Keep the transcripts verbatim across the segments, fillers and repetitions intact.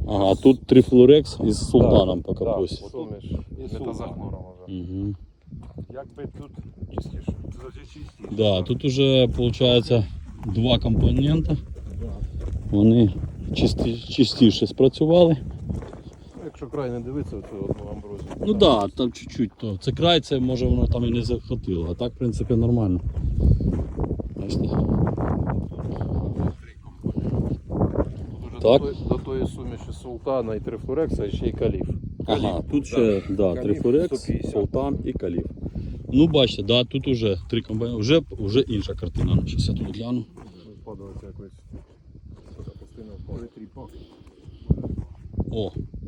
Ага, тут трифлорекс із султаном по капусі. Так, суміш метазахлором вже. Угу. Якби тут чистіше. Тут чистіше. Да, тут уже виходить два компоненти. Вони чисті, чистіше спрацювали. Якщо край не дивитися, оцю одну амброзію. Ну так, да, там чуть-чуть то. Це край, це може воно там і не захватило, а так в принципі нормально. Бачите? Так. До, тої, до тої суміші султана і трифлорекса ще й каліф. Ага, тут ще да, трифлорекс, сто п'ятдесят. султан і каліф. Ну бачите, да, тут уже три компоненти, вже, вже інша картина. Зараз я тут гляну. Впадається якось. Постійно впаде тріпак. О!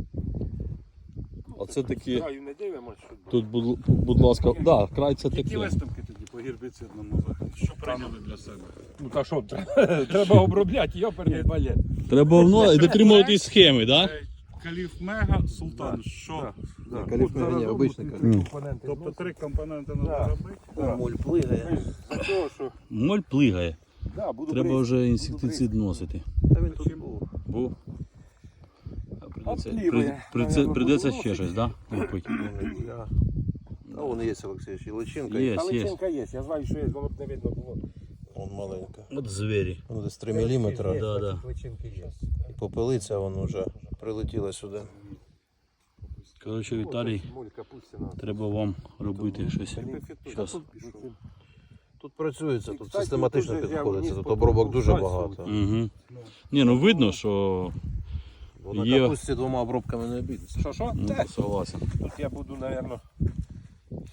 Оце такі, Краю не дивимося, що тут, будь, будь ласка, да, край це які таке. виставки тоді по гербіцидному заходу? Що прийняли для себе? Ну та що, треба, треба обробляти, йоперний балет. Треба воно і дотримуватись схеми, так? Е, Каліф Мега, Султан, що? Да. Каліф Мега, ні, обичний каліф. М. компоненти. Тобто три компоненти треба Да. робити. Да. Моль плигає. За того, що... Моль плигає. Да, буду Треба бризкати, вже буду інсектицид носити. Та він тут був. Був. А Придеться, Отліває. при- придеться, Наверно, придеться буду ще щось, так? Да? Лупить. Я... А вон є, Олексійович, і личинка. Є. Є. Але є. личинка є, я знаю, що є, воно б не видно було. Вон маленька. От звірі. Воно десь три міліметри. Да, да. Личинки є. І попелиця вон вже прилетіла сюди. Коротше, Віталій, Моль капустина. треба вам робити щось. Щас. Тут працюється, тут Кстати, систематично тут же я підходиться, вниз тут по обробок дуже кругу багато. Угу. Ні, ну видно, що Бо на Є. капусті двома обробками не обійдеться. Що, що? ну, Та, согласен. Тут я буду, напевно,